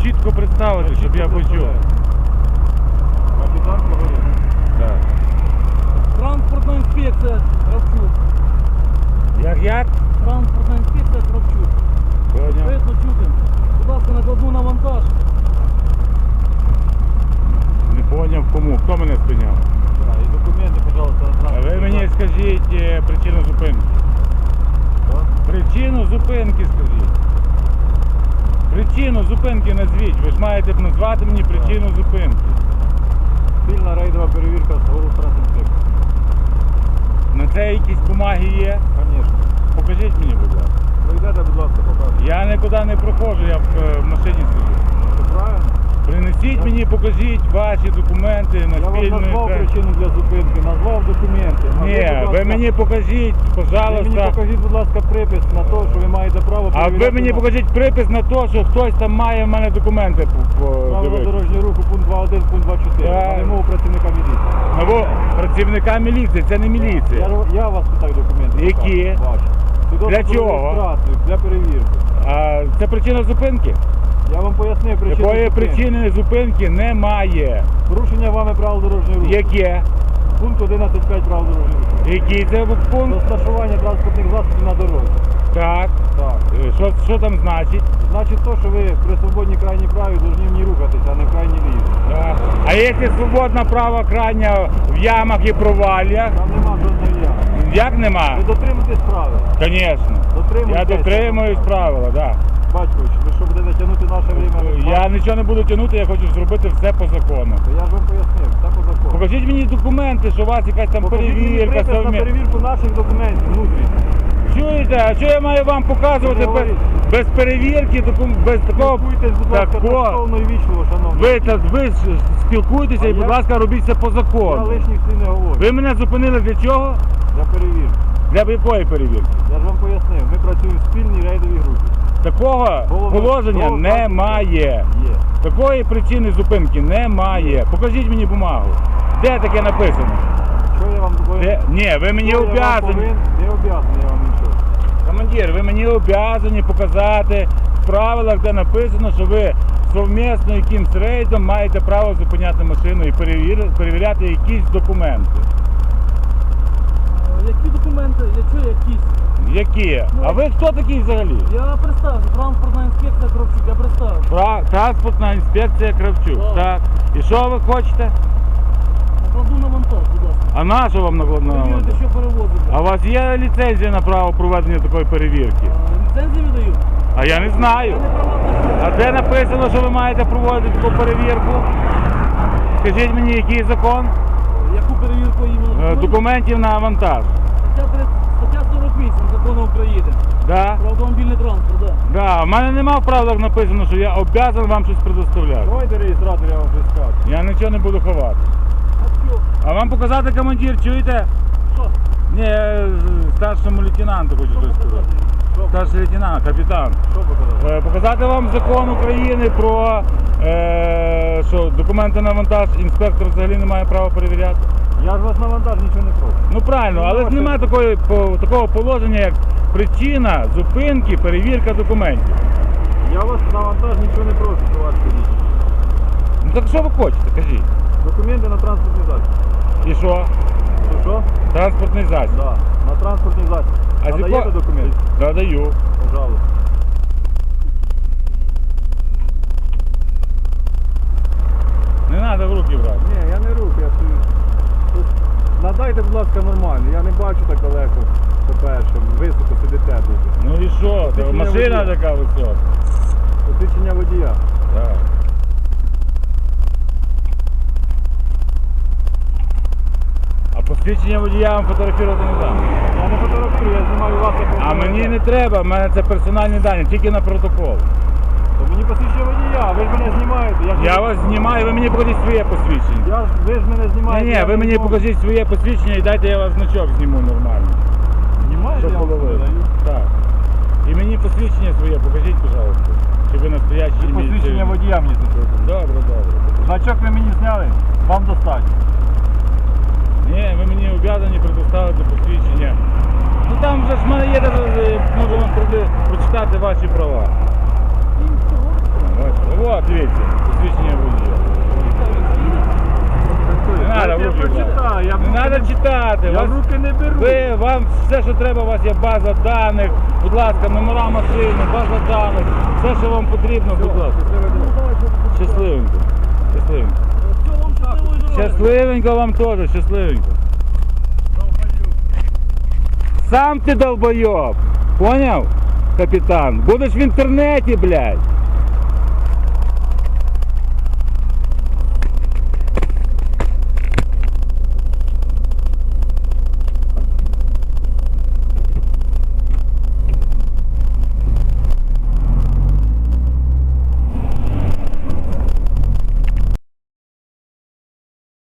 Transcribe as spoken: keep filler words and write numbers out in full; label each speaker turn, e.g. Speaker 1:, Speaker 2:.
Speaker 1: чітко представити, щоб я почув.
Speaker 2: Капітан Погорів.
Speaker 1: Так.
Speaker 3: Транспортна інспекція Кравчук.
Speaker 1: Як як?
Speaker 3: Транспортна інспекція Кравчук.
Speaker 1: Поняв.
Speaker 3: Видно, чути. Будь ласка, накладну на вантаж.
Speaker 1: Не поняв кому. Хто мене спиняв?
Speaker 2: Так, і документи, пожалуйста, на
Speaker 1: А ви
Speaker 2: транспортний
Speaker 1: мені
Speaker 2: засіб.
Speaker 1: скажіть е, причину зупинки.
Speaker 2: Що?
Speaker 1: Причину зупинки скажіть. Причину зупинки назвіть. Ви ж маєте б назвати мені причину зупинки.
Speaker 2: Спільна рейдова перевірка з Голубтрансінспекції.
Speaker 1: На це якісь бумаги є?
Speaker 2: Звісно.
Speaker 1: Покажіть мені, будь ласка.
Speaker 2: Пройдете, будь ласка, покажете.
Speaker 1: Я нікуди не проходжу, я в, е, в машині сиджу.
Speaker 2: Це правильно?
Speaker 1: Принесіть мені, покажіть ваші документи на
Speaker 2: Я вам
Speaker 1: спільну
Speaker 2: назвав
Speaker 1: експер-
Speaker 2: причину для зупинки, назвав документи. Назвав,
Speaker 1: Ні,
Speaker 2: будь
Speaker 1: ви
Speaker 2: ласка,
Speaker 1: мені покажіть,
Speaker 2: ви мені
Speaker 1: пожалуйста.
Speaker 2: покажіть, будь ласка, припис на те, що ви маєте право
Speaker 1: А
Speaker 2: перевіряти.
Speaker 1: ви мені
Speaker 2: на-
Speaker 1: покажіть припис на те, що хтось там має в мене документи по- по-
Speaker 2: Правила
Speaker 1: дивитися.
Speaker 2: дорожнього руху, пункт два один, пункт два чотири.
Speaker 1: Так.
Speaker 2: На вимогу працівника міліції.
Speaker 1: Або працівника міліції, це не
Speaker 2: Я,
Speaker 1: міліція.
Speaker 2: я вас питаю документи.
Speaker 1: Які?
Speaker 2: Ваші. Свідоцтво
Speaker 1: Для
Speaker 2: про
Speaker 1: чого?
Speaker 2: реєстрацію, для перевірки.
Speaker 1: А це причина зупинки?
Speaker 2: Я вам пояснив причину
Speaker 1: Якої
Speaker 2: зупинки.
Speaker 1: причини зупинки немає.
Speaker 2: Порушення вами правил дорожнього руху.
Speaker 1: Яке?
Speaker 2: Пункт одинадцять п'ять правил дорожнього руху.
Speaker 1: Який це пункт?
Speaker 2: Розташування транспортних засобів на дорозі.
Speaker 1: Так.
Speaker 2: Так.
Speaker 1: Е, Що, що там значить?
Speaker 2: Значить то, що ви при свободній крайній праві повинні в ній рухатися, а не в крайній лівій.
Speaker 1: Так. А якщо свободна права крайня в ямах і проваллях?
Speaker 2: Там нема жодної ями.
Speaker 1: Як нема?
Speaker 2: Ви дотримуєтесь правил.
Speaker 1: Звісно. Я
Speaker 2: Дотримуєтесь.
Speaker 1: дотримуюсь правила, так. Да.
Speaker 2: Батькович, ви що будете тягнути наше время?
Speaker 1: Я нічого не буду тягнути, я хочу зробити все по закону.
Speaker 2: То я ж вам пояснив, все по закону.
Speaker 1: Покажіть мені документи, що у вас якась там
Speaker 2: Покажіть мені
Speaker 1: перевірка.
Speaker 2: припис на
Speaker 1: совмі-
Speaker 2: перевірку наших документів внутрішніх.
Speaker 1: Чуєте, а що я маю вам показувати без,
Speaker 2: Говоріть.
Speaker 1: без перевірки, докум- без такого?
Speaker 2: Спілкуйтесь, будь ласка,
Speaker 1: такого-
Speaker 2: тактовно і вічливо, шановні.
Speaker 1: Ви, та, ви ж спілкуйтеся
Speaker 2: А
Speaker 1: і, будь
Speaker 2: я-
Speaker 1: ласка, робіть це по
Speaker 2: Я
Speaker 1: закону.
Speaker 2: лишніх слів не говорю.
Speaker 1: Ви мене зупинили для чого?
Speaker 2: Для перевірки.
Speaker 1: Для якої перевірки?
Speaker 2: Я ж вам пояснив, ми працюємо в спільній рейдовій групі.
Speaker 1: Такого
Speaker 2: Головне,
Speaker 1: положення
Speaker 2: головне,
Speaker 1: немає.
Speaker 2: Є.
Speaker 1: Такої причини зупинки немає. Покажіть мені бумагу. Де таке написано?
Speaker 2: Що я вам повинен?
Speaker 1: Де? Ні, ви мені
Speaker 2: Що я вам
Speaker 1: обязані.
Speaker 2: повинен? Не обязаний я вам нічого.
Speaker 1: Командир, ви мені обязані показати в правилах, де написано, що ви совмісно якимсь рейдом маєте право зупиняти машину і перевір- перевіряти якісь документи.
Speaker 3: Е, Які документи? Я чую якісь.
Speaker 1: Які? А ви хто такий взагалі?
Speaker 3: Я представився, транспортна інспекція Кравчук, я представився.
Speaker 1: Тра- Транспортна інспекція Кравчук.
Speaker 3: Так.
Speaker 1: Так. І що ви хочете?
Speaker 3: Накладну на вантаж, будь ласка.
Speaker 1: А на що вам накладно?
Speaker 3: Перевірити, що перевозите.
Speaker 1: А у вас є ліцензія на право проведення такої перевірки?
Speaker 3: А, Ліцензії видають?
Speaker 1: А я не знаю.
Speaker 3: Я не права.
Speaker 1: А де написано, що ви маєте проводити таку перевірку? Скажіть мені, який закон?
Speaker 3: Яку перевірку
Speaker 1: Е,
Speaker 3: іменно?
Speaker 1: Документів на вантаж.
Speaker 3: Стаття тридцять стаття сорок вісім Закону України.
Speaker 1: Да?
Speaker 3: Про автомобільний транспорт, так.
Speaker 1: Да. У мене нема в правилах написано, що я обов'язаний вам щось предоставляти.
Speaker 2: Давайте реєстратор, я вам вже скажу.
Speaker 1: Я нічого не буду ховати.
Speaker 3: А що?
Speaker 1: А вам показати, командир, чуєте?
Speaker 3: Що?
Speaker 1: Ні, я з- старшому лейтенанту хочу
Speaker 3: Що
Speaker 1: щось сказати.
Speaker 3: показати?
Speaker 2: Що,
Speaker 1: Старший лейтенант, капітан.
Speaker 2: що показати?
Speaker 1: Е, Показати вам закон України про е, що документи на вантаж інспектор взагалі не має права перевіряти.
Speaker 2: Я ж вас на вантаж нічого не прошу.
Speaker 1: Ну правильно, але ж
Speaker 2: Можете.
Speaker 1: немає такої, по- такого положення, як причина зупинки, перевірка документів.
Speaker 2: Я вас на вантаж нічого не прошу, товариш водій.
Speaker 1: Ну так що ви хочете, кажіть?
Speaker 2: Документи на транспортний засіб.
Speaker 1: І що?
Speaker 2: Що, що?
Speaker 1: Транспортний засіб.
Speaker 2: Да, на транспортний засіб.
Speaker 1: А з
Speaker 2: Надаєте
Speaker 1: якого-
Speaker 2: документи?
Speaker 1: Да, даю.
Speaker 2: Пожалуйста.
Speaker 1: Не треба в руки брати.
Speaker 2: Ні, я не рух, я стою. Тут надайте, будь ласка, нормально. Я не бачу так далеко, по-перше. Високо сидите дуже.
Speaker 1: Ну і що? Та
Speaker 2: Посвідчення
Speaker 1: машина
Speaker 2: водія.
Speaker 1: така висока.
Speaker 2: Посвідчення водія.
Speaker 1: Так. А посвідчення водія вам фотографувати не дам.
Speaker 2: Я не фотографую, я знімаю вас як
Speaker 1: А мені не треба, в мене це персональні дані, тільки на протокол.
Speaker 2: То мені посвідчення водія, ви ж мене знімаєте. Я, ж
Speaker 1: Я
Speaker 2: не-
Speaker 1: вас знімаю, ви мені покажіть своє посвідчення.
Speaker 2: Я ж, ви ж мене
Speaker 1: Ні,
Speaker 2: знімаєте.
Speaker 1: ні,
Speaker 2: я
Speaker 1: ви
Speaker 2: не
Speaker 1: мені
Speaker 2: можу.
Speaker 1: покажіть своє посвідчення і дайте я вас значок зніму нормально.
Speaker 2: Знімаєте,
Speaker 1: Щоб
Speaker 2: я вам
Speaker 1: було видно.
Speaker 2: даю.
Speaker 1: Так. І мені посвідчення своє покажіть, пожалуйста. Чи ви настоящий
Speaker 2: І посвідчення
Speaker 1: міліцейський.
Speaker 2: водія мені тут.
Speaker 1: Добре, добре.
Speaker 2: Значок ви мені зняли, вам достатньо.
Speaker 1: Ні, ви мені обов'язані предоставити посвідчення. Ну там вже ж в мене є, даже, можу вам прочитати ваші права. Бачите? От, дивіться, посвідчення водія. Не треба в
Speaker 2: Я
Speaker 1: руки брати.
Speaker 2: прочитаю, я в
Speaker 1: Не
Speaker 2: руки
Speaker 1: треба читати.
Speaker 2: Я
Speaker 1: Вас,
Speaker 2: в руки не беру.
Speaker 1: ви, вам все, що треба, у вас є база даних. Будь ласка, номера машини, база даних. Все, що вам потрібно, будь ласка. Щасливенько. Щасливенько.
Speaker 3: Все, вам щасливої дороги.
Speaker 1: Щасливенько вам теж, щасливенько. Сам ти долбойоб. Поняв, капітан? Будеш в інтернеті, блядь.